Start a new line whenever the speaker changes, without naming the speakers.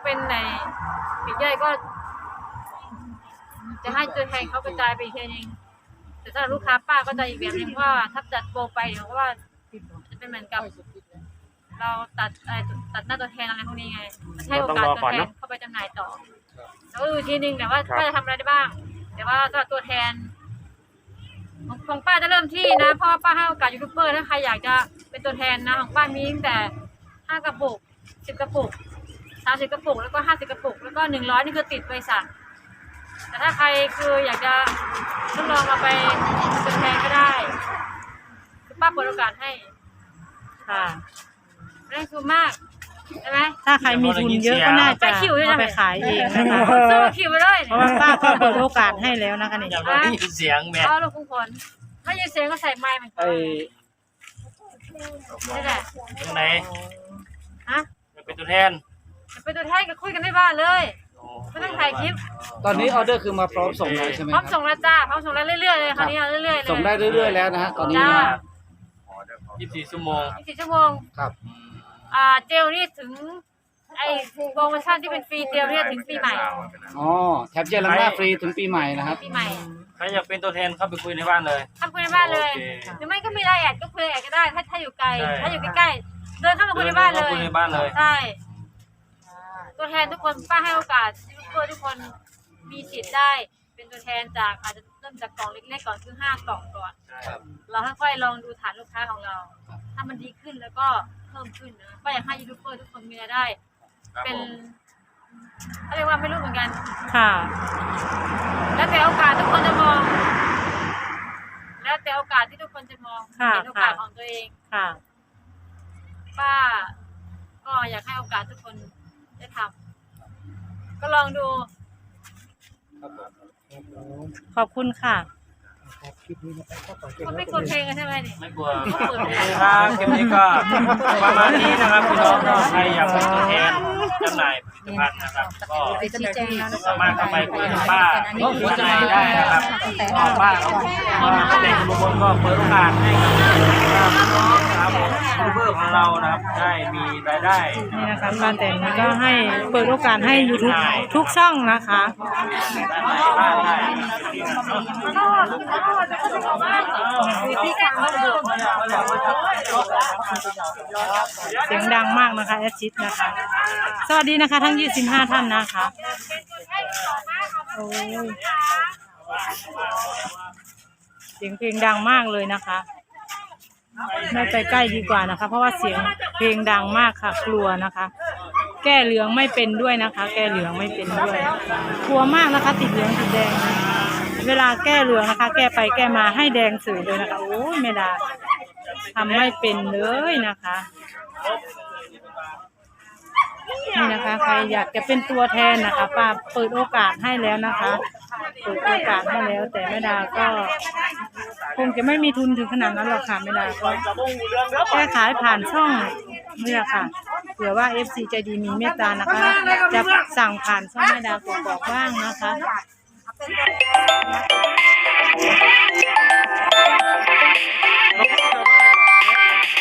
เป็นในปีกย่อยก็จะให้ตัวแทนเขากระจายไปอีกทีนึงแต่ถ้าลูกค้าป้าก็จะอีกแบบนึงว่าถ้าจัดโปรไปเดี๋ยวเพราะว่าจะเป็นเหมือนกับเราตัดหน้าตัวแทนอะไรพวกนี้ไงให้โอกาสตัวแทนเข้าไปจำหน่ายต่อแล้วก็ดูทีนึงแต่ว่าป้าจะทำอะไรได้บ้างแต่ว่าสำหรับตัวแทนของป้าจะเริ่มที่นะเพราะป้าให้โอกาสยูทูบเบอร์ถ้าใครอยากจะเป็นตัวแทนนะของป้ามีตั้งแต่5 กระปุก10 กระปุก30 กระปุกแล้วก็50 กระปุกแล้วก็100นี่คือติดบริษัทแต่ถ้าใครคืออยากจะทดลองเอาไปเป็นแทนก็ได้คือป้าเปิดโอกาสให้
ค่ะ
ไม่ได้คือมากใช่ไหม
ถ้าใครมีทุนเยอะก็น่าจะเอาไปขายเองนะคะ
ซื้อคิวไปเลย
เพราะว่าป้าก็เปิดโอกาสให้แล้วนะคะนี่
อยากได้ยินเสียงแม่
เอาลูกคุณคนถ้ายินเสียงก็ใส่ไมค์มันนี่แหละ
ตรงไหน
ฮะ
เป็นตัวแทน
เป็นตัวแทนก็คุยกันในบ้านเลยไม่ต้องถ่ายคลิป
ตอนนี้ออเดอร์คือมาพร้อมส่งแล้วใช่ไหม
พร้อมส่งแล้วจ้าพร้อมส่งแล้วเรื่อยๆเลยคราวนี้เรื่อยๆเลย
ส่งได้เรื่อยๆแล้วนะฮะตอนนี้
24 ชั่วโมง
24 ชั่วโมง
ครับ
เจลนี่ถึงไอ้โปรโมชั่นที่เป็นฟรีเจลเนี่ยถึงปีใหม่
อ๋อแถบเจลล้างหน้าฟรีถึงปีใหม่นะครับ
ปีใหม่
ใครอยากเป็นตัวแทนเข้าไปคุยในบ้านเลย
คุยในบ้านเลยหรือไม่ก็มีไลน์แอดก็คุยไลน์แอดก็ได้ถ้าอยู่ไกลถ้าอยู่ใกล้ๆเดินเข้ามาคุยในบ้านเลยใช่ตัวแทนทุกคนป้าให้โอกาสยูทูบเบอร์ทุกคนมีสิทธิ์ได้เป็นตัวแทนจากอาจจะเริ่มจากกล่องเล็กๆก่อนคือ5 กล่องก่อนเราค่อยๆลองดูฐานลูกค้าของเราถ้ามันดีขึ้นแล้วก็เพิ่มขึ้นนะก็อยากให้ยูทูบเบอร์ทุกคนมีรายได้เป็นอะไรว่าไม่รู้เหมือนกัน
ค่ะ
แล้วแต่โอกาสทุกคนจะมองแล้วแต่โอกาสที่ทุกคนจะมองเห็นโอกาสของตัวเอง
ค่ะ
ป้าก็อยากให้โอกาสทุกคนได้ทำก็ลองดู
ขอบคุณค่ะ
มันไม่กลัวเพลงกันใช่ไหมเนี่ย
ไม่กลัวครับคลิปนี้ก็ประมาณนี้นะครับพี่น้องใครอยากเป็นตัวแทนจำหน่ายผลิตภัณฑ์นะครับก็สามารถเข้าไปคุยกับป้าคุยในได้นะครับป้าเขาเด็กบางคนก็เปิดโอกาสให้กับพี่น้องนะครับยูทูบเบอร์ของเรานะครับได้มีรายได้
นี่นะคะป้าแตนก็ให้เปิดโอกาสให้ YouTube ทุกช่องนะคะเสียงดังมากนะคะแอดชิดนะคะสวัสดีนะคะทั้ง25 ท่านนะคะโอ้ยเสียงเพลงดังมากเลยนะคะไม่ไปใกล้ดีกว่านะคะเพราะว่าเสียงเพลงดังมากค่ะกลัวนะคะแก้เหลืองไม่เป็นด้วยนะคะแก้เหลืองไม่เป็นด้วยกลัวมากนะคะติดเหลืองติดแดงเวลาแก้เหลืองนะคะแก้ไปแก้มาให้แดงสื่อเลยนะคะโอ้ยไม่ได้ทำไม่เป็นเลยนะคะนี่นะคะใครอยากจะเป็นตัวแทนนะคะป้าเปิดโอกาสให้แล้วนะคะเปิดโอกาสให้แล้วแต่แม่ดาก็คงจะไม่มีทุนถึงขนาดนั้นหรอกค่ะแม่ดาก็แค่ขายผ่านช่องนี่แหละค่ะเผื่อว่า FC ใจดีมีเมตตานะคะจะสั่งผ่านช่องแม่ดากบอกบ้างนะคะ